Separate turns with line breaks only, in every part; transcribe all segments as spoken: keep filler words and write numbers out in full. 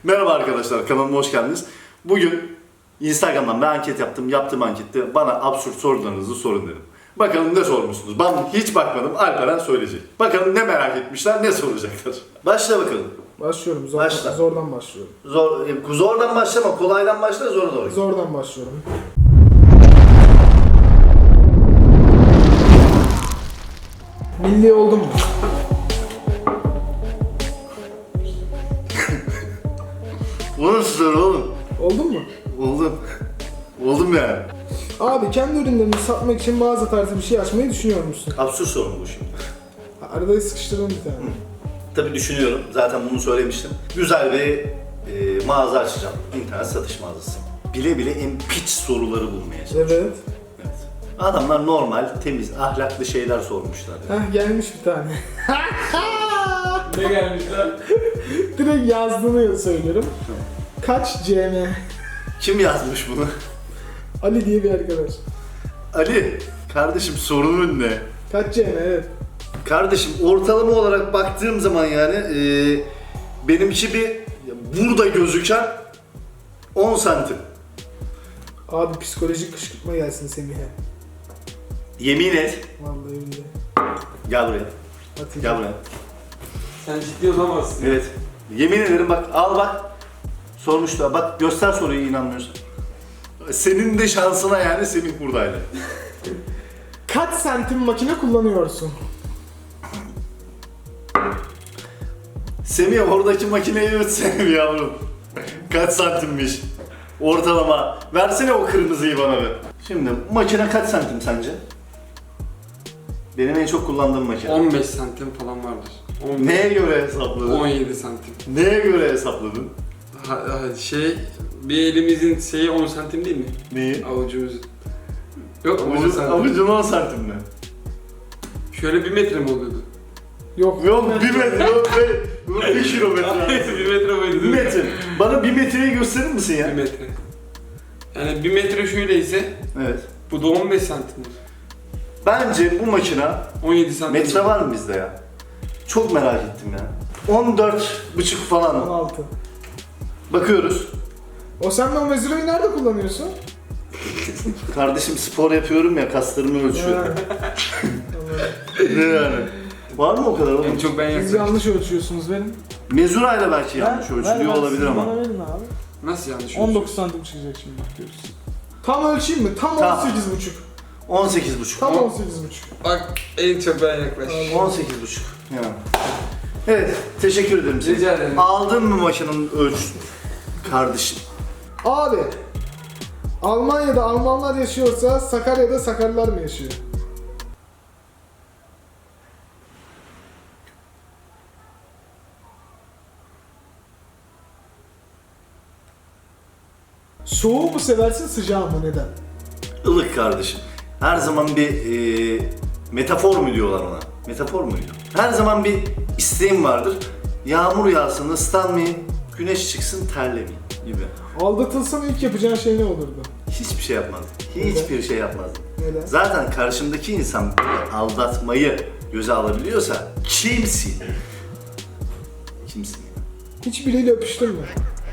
Merhaba arkadaşlar, kanalıma hoş geldiniz. Bugün Instagram'dan bir anket yaptım. Yaptığım ankette bana absürt sorularınızı sorun dedim. Bakalım ne sormuşsunuz? Ben hiç bakmadım, Alperen söyleyecek. Bakalım ne merak etmişler, ne soracaklar. Başla bakalım.
Başlıyorum. Zor,
Başla.
Zordan başlıyorum.
Zor, e, zordan başlama, kolaydan başla, zora doğru.
Zordan başlıyorum. Milli oldun mu?
Bu nasıl soru oğlum?
Oldun mu?
Oldum. Oldum yani.
Abi kendi ürünlerini satmak için mağaza tarzı bir şey açmayı düşünüyor musun?
Absürt soru bu şimdi.
Arada sıkıştırdım bir tane.
Tabii düşünüyorum, zaten bunu söylemiştim. Güzel bir e, mağaza açacağım. İnternet satış mağazası. Bile bile en piç soruları bulmaya çalışıyorum.
Evet.
Evet. Adamlar normal, temiz, ahlaklı şeyler sormuşlar.
Heh gelmiş bir tane.
Ne gelmişler?
Direkt yazdığını söylüyorum. Kaç C M?
Kim yazmış bunu?
Ali diye bir arkadaş.
Ali, kardeşim sorunun ne?
Kaç C M evet.
Kardeşim ortalama olarak baktığım zaman yani e, benimki bir burada gözüken on santim.
Abi psikolojik kışkırtma gelsin Semih'e.
Yemin et.
Vallahi billahi.
Gel buraya.
Atayım.
Gel buraya.
Sen ciddi olamazsın.
Evet. Yemin ederim bak, al bak. Sormuşlar. Bak göster soruyu, inanmıyorsun. Senin de şansına yani Semih buradaydı.
Kaç santim makine kullanıyorsun?
Semih oradaki makineyi ötsene bir yavrum. Kaç santimmiş? Ortalama. Versene o kırmızıyı bana bir. Şimdi makine kaç santim sence? Benim en çok kullandığım makine.
on beş santim falan vardır. on beş,
Neye göre hesapladın?
on yedi santim.
Neye göre hesapladın?
Ha, ha, şey, bir elimizin şeyi on santim değil mi?
Neyi?
Avucumuz. Yok on
Avucun,
santim.
avucun on santim mi?
Şöyle bir metre mi oluyordu?
Yok.
Yok bir metre, yok be, yok bir kilometre.
bir metre muydu?
Bir metre. Bana bir metreyi gösterir misin
Bir
ya?
metre. Yani bir metre şöyleyse
Evet.
bu da on beş santimdir.
Bence bu makina,
on yedi santim.
metre var mı bizde ya? Çok merak ettim ya. on dört buçuk falan.
on altı.
Bakıyoruz.
O sen de o mezureyi nerede kullanıyorsun?
Kardeşim spor yapıyorum ya, kaslarımı ölçüyorum.
Ha.
Ne yani? Var mı o kadar
En
oğlum?
çok ben
Siz
yaklaşım.
yanlış ölçüyorsunuz benim.
Mezurayla belki yanlış
Ver-
ölçülüyor
ver- ver,
olabilir
siz
ama.
Bana verin abi.
Nasıl yanlış
on dokuz santim çıkacak şimdi bak görürsün. Tam ölçeyim mi? Tam
Tam.
on sekiz buçuk.
on sekiz buçuk.
Tam
On-
on sekiz buçuk.
Bak en çok ben yaklaşım.
on sekiz buçuk. Yani. Evet, teşekkür ederim. Seni.
Rica ederim.
Aldın mı makinenin ölçüsünü? Kardeşim.
Abi. Almanya'da Almanlar yaşıyorsa Sakarya'da Sakarlılar mı yaşıyor? Soğuğu mu seversin sıcağı mı neden?
Ilık kardeşim. Her zaman bir e, metafor mu diyorlar ona? Metafor muydu? Her zaman bir isteğim vardır. Yağmur yağsın, ıslanmayayım, güneş çıksın, terlemeyeyim gibi.
Aldatılsan ilk yapacağın şey ne olurdu?
Hiçbir şey yapmazdım. Hiçbir şey yapmazdım.
Neden?
Zaten karşımdaki insan böyle aldatmayı göze alabiliyorsa kimsin? Kimsin ya?
Hiç biriyle öpüştün mü?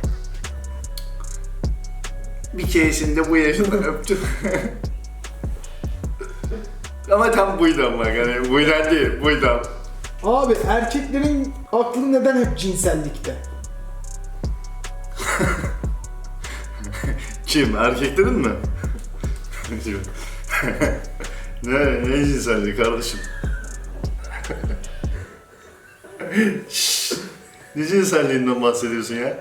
Bir keresinde bu yaşında öptüm. Ama tam buydu ama yani buydan değil, buydan.
Abi erkeklerin aklı neden hep cinsellikte?
Kim? Erkeklerin mi? ne, ne cinselliği kardeşim? Şşş! Ne cinselliğinden bahsediyorsun ya?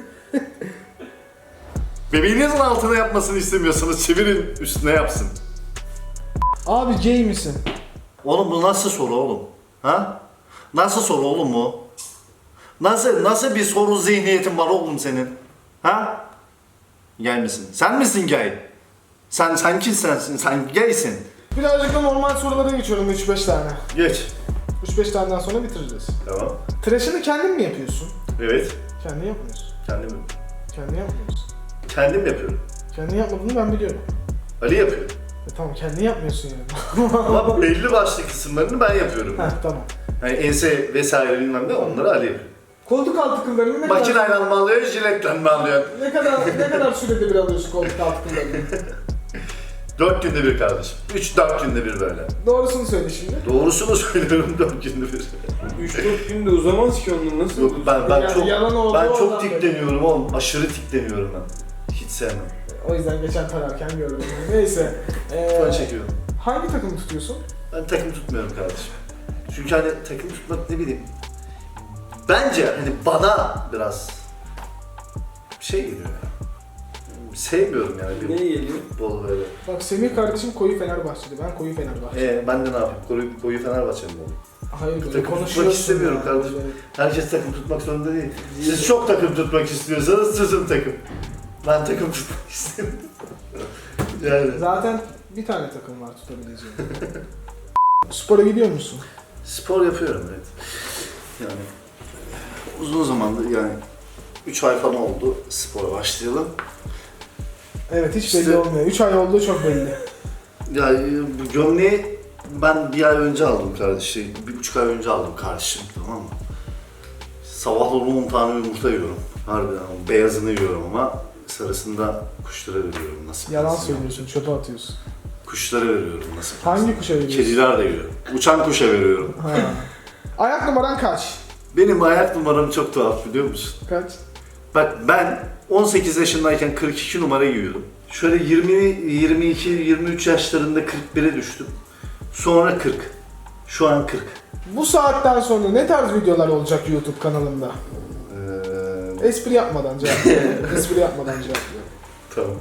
Bebeğinizin altına yapmasını istemiyorsanız çevirin, üstüne yapsın.
Abi gay misin?
Oğlum bu nasıl soru oğlum? Ha? Nasıl soru oğlum bu? Nasıl nasıl bir soru zihniyetin var oğlum senin? Ha? Gay misin? Sen misin gay? Sen sen kimsin? Sen gaysin.
Birazcık da normal sorulara geçiyorum üç beş tane.
Geç.
üç beş taneden sonra bitireceğiz.
Tamam.
Tıraşını kendin mi yapıyorsun?
Evet.
Kendin yapmıyorsun.
Kendim
Kendin yapmıyorsun.
kendim yapıyorum.
Kendin yapmadığını ben biliyorum.
Ali yapıyor.
E tamam kendin yapmıyorsun yani.
Ama belli başlı kısımlarını ben yapıyorum.
Heh tamam.
Yani ense vesaire bilmem ne onları Ali yapıyor.
Koltuk altı kıllarını ne kadar...
Makineyle mi alıyor, jiletle mi alıyor?
Ne kadar ne kadar sürede bir alıyorsun koltuk altı kıllarını?
Dört günde bir kardeşim. Üç dört günde bir böyle.
Doğrusunu söyle şimdi.
Doğrusunu söylüyorum, dört günde bir.
üç dört günde uzamaz ki onun nasıl?
Yok ben ben
Yani
çok
yalan oldu,
ben
oradan
çok
böyle.
tikleniyorum oğlum. Aşırı tikleniyorum ben. Hiç sevmem.
O yüzden geçen tararken gördüm. Neyse. Ee,
Ben çekiyorum.
hangi takımı tutuyorsun?
Ben takım tutmuyorum kardeşim. Çünkü hani takım tutmak ne bileyim. Bence hani bana biraz şey geliyor ya. Sevmiyorum yani bir
Ne geliyor?
futbol böyle.
Bak Semih kardeşim koyu Fenerbahçeli. Ben koyu Fenerbahçe.
Ee, ben de ne yapayım? Koyu, koyu Fenerbahçe'm oğlum.
Hayır böyle
Takım tutmak
konuşuyorsun
istemiyorum
ya,
kardeşim.
böyle.
Herkes takım tutmak zorunda değil. Siz çok takım tutmak istiyorsanız sizin takım. Ben takım tutmak istemiyorum. Yani.
Zaten bir tane takım var tutabileceğim. Spora gidiyor musun?
Spor yapıyorum evet. Yani uzun zamandır yani üç ay falan oldu spora başlayalım.
Evet hiç belli
İşte-
olmuyor. üç ay olduğu çok belli.
Yani bu gömleği ben bir ay önce aldım kardeşim. Bir buçuk ay önce aldım kardeşim, tamam mı? Sabahları on tane yumurta yiyorum. Harbiden ama beyazını yiyorum ama sarısını da kuşlara veriyorum nasıl?
Yalan söylüyorsun, çöpe atıyorsun.
Kuşlara veriyorum nasıl?
Hangi kuşa veriyorsun?
Kediler de yiyor. Uçan kuşa veriyorum.
Ha. Ayak numaran kaç?
Benim ayak numaram çok tuhaf biliyor musun?
Kaç?
Bak ben on sekiz yaşındayken kırk iki numara giyiyordum. Şöyle yirmi, yirmi iki, yirmi üç yaşlarında kırk bire düştüm. Sonra kırk. Şu an kırk.
Bu saatten sonra ne tarz videolar olacak YouTube kanalında?
Ee,
Espri yapmadan cevap veriyorum. Espri yapmadan cevap veriyorum.
tamam.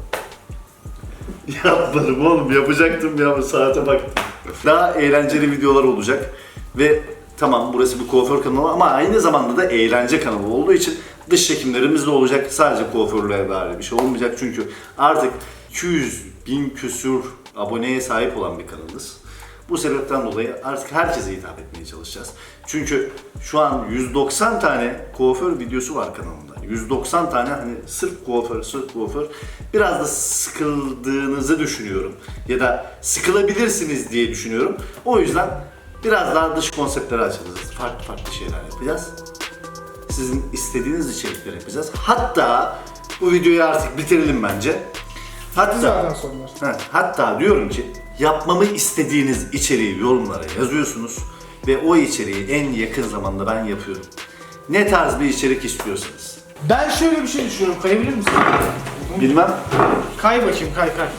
Yapmadım oğlum, yapacaktım ya, bu saate baktım. Daha eğlenceli videolar olacak ve tamam burası bir kuaför kanalı ama aynı zamanda da eğlence kanalı olduğu için dış çekimlerimiz de olacak. Sadece kuaförlüğe dair bir şey olmayacak çünkü artık iki yüz bin küsür aboneye sahip olan bir kanalız. Bu sebepten dolayı artık herkese hitap etmeye çalışacağız. Çünkü şu an yüz doksan tane kuaför videosu var kanalımda. yüz doksan tane hani sırf kuaför, sırf kuaför. Biraz da sıkıldığınızı düşünüyorum. Ya da sıkılabilirsiniz diye düşünüyorum. O yüzden biraz daha dış konseptleri açacağız. Farklı farklı şeyler yapacağız. Sizin istediğiniz içerikleri yapacağız. Hatta bu videoyu artık bitirelim bence.
Zaten
Hatta,
sorular.
ha, hatta diyorum ki yapmamı istediğiniz içeriği yorumlara yazıyorsunuz ve o içeriği en yakın zamanda ben yapıyorum. Ne tarz bir içerik istiyorsanız.
Ben şöyle bir şey düşünüyorum. Kayabilir misin?
Bilmem.
Kay bakayım, kay kay.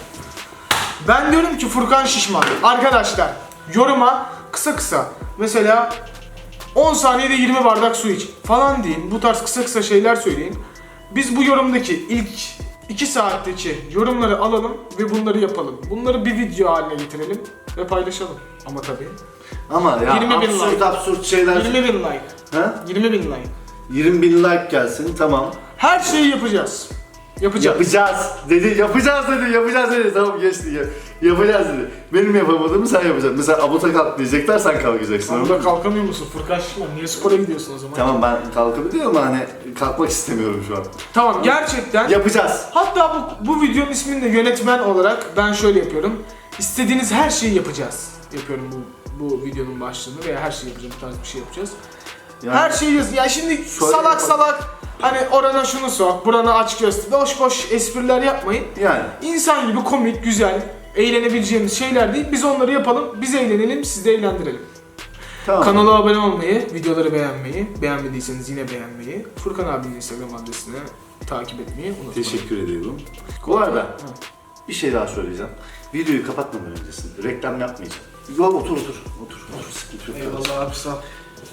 Ben diyorum ki Furkan Şişman. Arkadaşlar yoruma kısa kısa mesela on saniyede yirmi bardak su iç falan deyin. Bu tarz kısa kısa şeyler söyleyin. Biz bu yorumdaki ilk iki saatteki yorumları alalım ve bunları yapalım. Bunları bir video haline getirelim ve paylaşalım. Ama tabii
Ama ya
yirmi bin
absürt
like.
absürt şeyler.
yirmi bin like.
Ha?
yirmi bin like.
yirmi bin like gelsin, tamam.
Her şeyi yapacağız. Yapacağız.
Yapacağız dedi, yapacağız dedi, yapacağız dedi. Tamam geçti ya. Yapacağız dedi. Benim yapamadığımı sen yapacaksın. Mesela abuta kalk diyecekler, sen kalkacaksın.
Sen
anladın
burada
mı?
kalkamıyor musun Furkan Şişman? Niye spora gidiyorsun o zaman?
Tamam ben kalkabiliyorum ama hani kalkmak istemiyorum şu an.
Tamam gerçekten.
Yapacağız.
Hatta bu, bu videonun ismini de yönetmen olarak ben şöyle yapıyorum. İstediğiniz her şeyi yapacağız. Yapıyorum bu bu videonun başlığını veya her şeyi yapacağım, bu tarz bir şey yapacağız.
Yani
Her şeyi yaz. Ya şimdi
Şöyle
salak
yapalım.
salak hani orana şunu sok, burana aç göster. Boş boş espriler yapmayın.
Yani
İnsan gibi komik, güzel, eğlenebileceğimiz şeyler değil. Biz onları yapalım, biz eğlenelim, siz de eğlendirelim.
tamam.
Kanala abone olmayı, videoları beğenmeyi, beğenmediyseniz yine beğenmeyi, Furkan abinin Instagram adresine takip etmeyi unutmayın.
Teşekkür ediyorum. Bu arada bir şey daha söyleyeceğim. Videoyu kapatmadan öncesinde reklam yapmayacağım. Yok otur otur. Otur otur, sıkıntı yok.
Eyvallah abi sağ ol.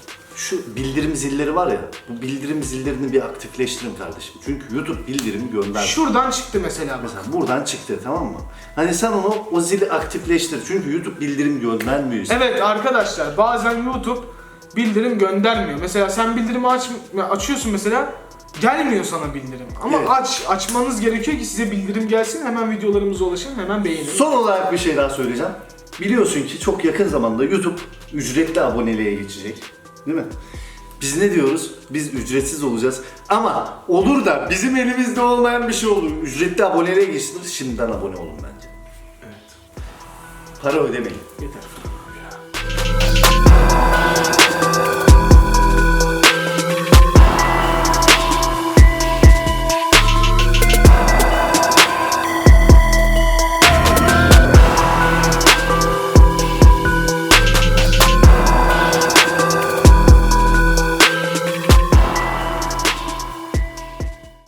Şu bildirim zilleri var ya, bu bildirim zillerini bir aktifleştirin kardeşim. Çünkü YouTube bildirimi gönder.
Şuradan çıktı mesela bak.
Mesela buradan çıktı, tamam mı? Hani sen onu, o zili aktifleştir. Çünkü YouTube bildirim göndermiyor.
Evet arkadaşlar bazen YouTube bildirim göndermiyor. Mesela sen bildirimi aç, açıyorsun mesela gelmiyor sana bildirim. Ama
Evet.
aç açmanız gerekiyor ki size bildirim gelsin, hemen videolarımıza ulaşın, hemen beğenin.
Son olarak bir şey daha söyleyeceğim. Biliyorsun ki çok yakın zamanda YouTube ücretli aboneliğe geçecek. Değil mi? Biz ne diyoruz? Biz ücretsiz olacağız. Ama olur da bizim elimizde olmayan bir şey olur. Ücretli aboneliğe geçtirir. Şimdiden abone olun bence.
Evet.
Para ödemeyin.
Yeter.